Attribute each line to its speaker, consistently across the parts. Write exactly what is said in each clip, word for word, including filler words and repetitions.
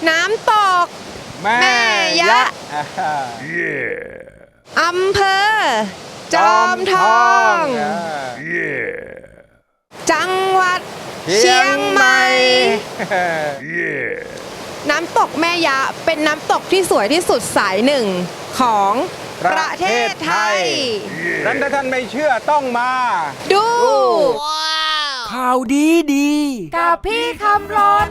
Speaker 1: น้ำตกแม่ยะอำเภอจอมทองจังหวัดเชียงใหม่น้ำตกแม่ยะเป็นน้ำตกที่สวยที่สุดสายหนึ่งของประเทศไทย
Speaker 2: นั้นถ้าท่านไม่เชื่อต้องมา
Speaker 1: ดู
Speaker 3: ข่าวดีดี
Speaker 1: กับพี่คำรน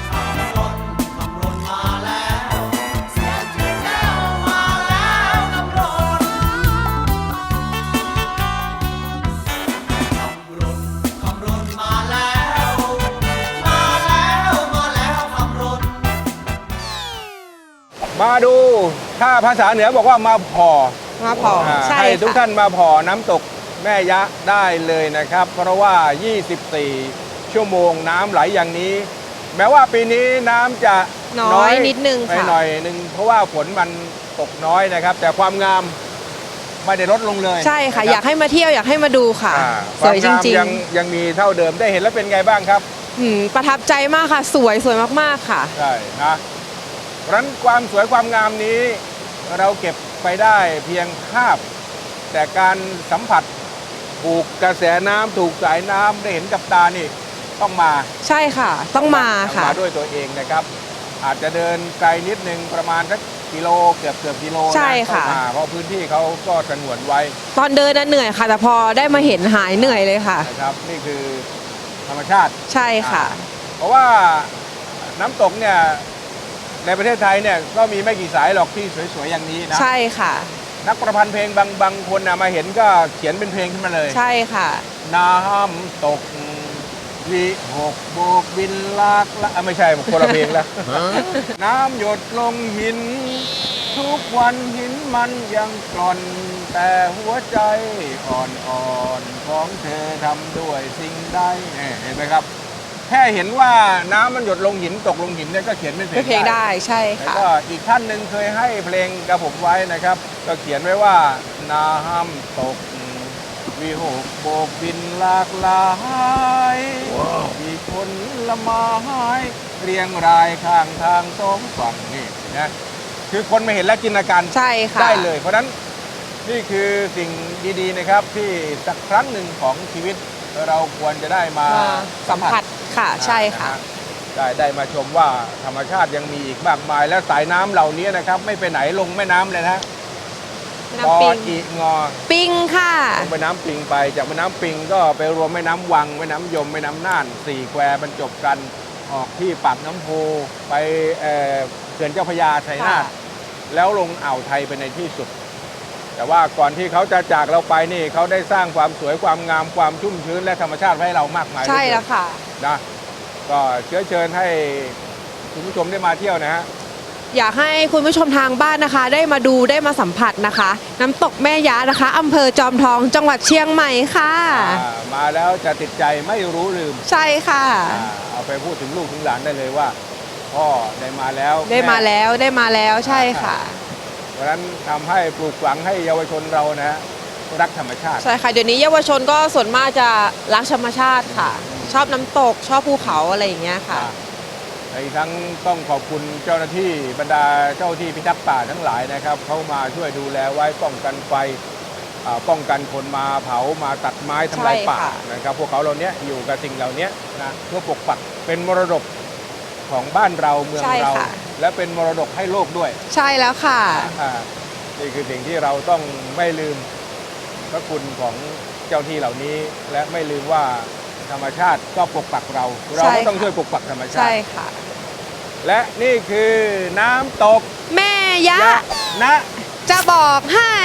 Speaker 2: มาดูถ้าภาษาเหนือบอกว่ามาพอ
Speaker 1: มาพอใช่
Speaker 2: ให้ทุกท่านมาพอน้ำตกแม่ยะได้เลยนะครับเพราะว่ายี่สิบสี่ชั่วโมงน้ำไหลอย่างนี้แม้ว่าปีนี้น้ำจะ
Speaker 1: น้อยนิดนึง
Speaker 2: ค่ะหน่อยนึงเพราะว่าฝนมันตกน้อยนะครับแต่ความงามไม่ได้ลดลงเลย
Speaker 1: ใช่ค่ะอยากให้มาเที่ยวอยากให้มาดูค่ะสวยจริงๆ
Speaker 2: ยังยังมีเท่าเดิมได้เห็นแล้วเป็นไงบ้างครับ
Speaker 1: ประทับใจมากค่ะสวยสวยมากๆค่ะ
Speaker 2: ใช่นะเพราะฉะนั้นความสวยความงามนี้เราเก็บไปได้เพียงภาพแต่การสัมผัสถูกกระแสน้ำถูกสายน้ำได้เห็นกับตานี่ต้องมา
Speaker 1: ใช่ค่ะต้องมาค่ะ
Speaker 2: มาด้วยตัวเองนะครับอาจจะเดินไกลนิดนึงประมาณสักกิโลเกือบเกือบกิโลนะ
Speaker 1: ใช่ค่ะ
Speaker 2: เพราะพื้นที่เขาก็สงวนไว้
Speaker 1: ตอนเดินน่ะเหนื่อยค่ะแต่พอได้มาเห็นหายเหนื่อยเลยค่ะ
Speaker 2: นะครับนี่คือธรรมชาติ
Speaker 1: ใช่ค่ะ
Speaker 2: เพราะว่าน้ำตกเนี่ยในประเทศไทยเนี่ยก็มีไม่กี่สายหรอกที่สวยๆอย่างนี้นะ
Speaker 1: ใช่ค่ะ
Speaker 2: นักประพันธ์เพลงบางบางคนนะมาเห็นก็เขียนเป็นเพลงขึ้นมาเลย
Speaker 1: ใช่ค่ะ
Speaker 2: น้ำตกวิหกโบกบินลากละไม่ใช่คนละเพลงแล้วน้ำหยดลงหินทุกวันหินมันยังกร่อนแต่หัวใจอ่อนๆของเธอทำด้วยสิ่งใดเห็นไหมครับแค่เห็นว่าน้ำมันหยดลงหินตกลงหินเนี่ยก็เขียนเป็นเพลง
Speaker 1: ได้ใช่ค่ะ
Speaker 2: แล้วก็อีกท่านหนึ่งเคยให้เพลงกับผมไว้นะครับก็เขียนไว้ว่าน้ำตกวิหกโบกบินหลากหลายมีคนละไม้เรียงรายข้างทางสองฝั่งนี่นะคือคนมาเห็นแล้วจินตนาการได้เลยเพราะนั้นนี่คือสิ่งดีๆนะครับที่สักครั้งหนึ่งของชีวิตเราควรจะได้มา
Speaker 1: สัมผัสค่ะใช่ค่ะ
Speaker 2: ได้ได้มาชมว่าธรรมชาติยังมีอีกมากมายและสายน้ำเหล่านี้นะครับไม่ไปไหนลงแม่น้ำเลยนะ
Speaker 1: น้ำปิง
Speaker 2: อีงอ
Speaker 1: ปิงค่ะ
Speaker 2: ลงไปน้ำปิงไปจากแม่น้ำปิงก็ไปรวมแม่น้ำวังแม่น้ำยมแม่น้ำน่านสี่แควบรรจบกันออกที่ปากน้ำโพไปเขื่อนเจ้าพระยาชัยนาทแล้วลงอ่าวไทยไปในที่สุดแต่ว่าก่อนที่เขาจะจากเราไปนี่เขาได้สร้างความสวยความงามความชุ่มชื้นและธรรมชาติให้เรามากมาย
Speaker 1: ใช่แล้วค่ะ
Speaker 2: นะก็เชื้อเชิญให้คุณผู้ชมได้มาเที่ยวนะฮะ
Speaker 1: อยากให้คุณผู้ชมทางบ้านนะคะได้มาดูได้มาสัมผัสนะคะน้ำตกแม่ยะนะคะอำเภอจอมทองจังหวัดเชียงใหม่ค่ะ
Speaker 2: มาแล้วจะติดใจไม่รู้ลืม
Speaker 1: ใช่ค่ะ
Speaker 2: เอาไปพูดถึงลูกถึงหลานได้เลยว่าพ่อได้มาแล้ว
Speaker 1: ได้มาแล้วได้มาแล้วใช่ค่ะ
Speaker 2: เพราะฉะนั้นทำให้ปลูกฝังให้เยาวชนเรานะฮะรักธรรมชาติ
Speaker 1: ใช่ค่ะเดี๋ยวนี้เยาวชนก็ส่วนมากจะรักธรรมชาติค่ะชอบน้ำตกชอบภูเขาอะไรอย่างเงี้ยค่ะ
Speaker 2: อีกทั้งต้องขอบคุณเจ้าหน้าที่บรรดาเจ้าที่พิทักษ์ป่าทั้งหลายนะครับเขามาช่วยดูแลไว้ป้องกันไฟป้องกันคนมาเผามาตัดไม้ทำลายป่านะครับพวกเขาเหล่านี้อยู่กับสิ่งเหล่านี้นะเพื่อปกปักเป็นมรดกของบ้านเราเมืองเราและเป็นมรดกให้โลกด้วย
Speaker 1: ใช่แล้วค่ะ
Speaker 2: นี่คือสิ่งที่เราต้องไม่ลืมพระคุณของเจ้าที่เหล่านี้และไม่ลืมว่าธรรมชาติก็ปกปักเราเราก็ต้องช่วยปกปักธรรมชาติ
Speaker 1: ใช่ค่ะ
Speaker 2: และนี่คือน้ำตก
Speaker 1: แม่ยะ
Speaker 2: นะ
Speaker 1: จะบอกให้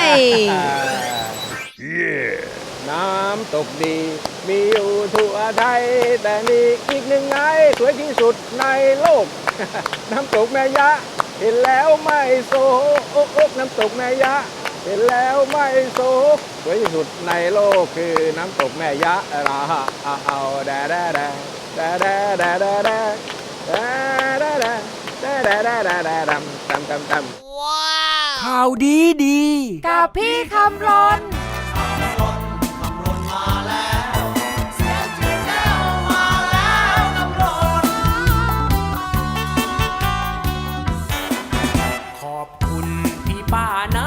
Speaker 2: น้ำตกดีมีอยู่ทั่วไทยแต่มีอีกหนึ่งไงสวยที่สุดในโลกน้ำตกแม่ยะเห็นแล้วไม่โศกน้ำตกแม่ยะเห็นแล้วไม่โศกสวยที่สุดในโลกคือน้ำตกแม่ยะราฮะเอาแดแดแดแดแดแดแดแดแดแดแดแดแดแดแดแดดำดำดำดำ
Speaker 3: ว้าวข่าวดีดี
Speaker 1: กับพี่คำรน
Speaker 3: ป่าใน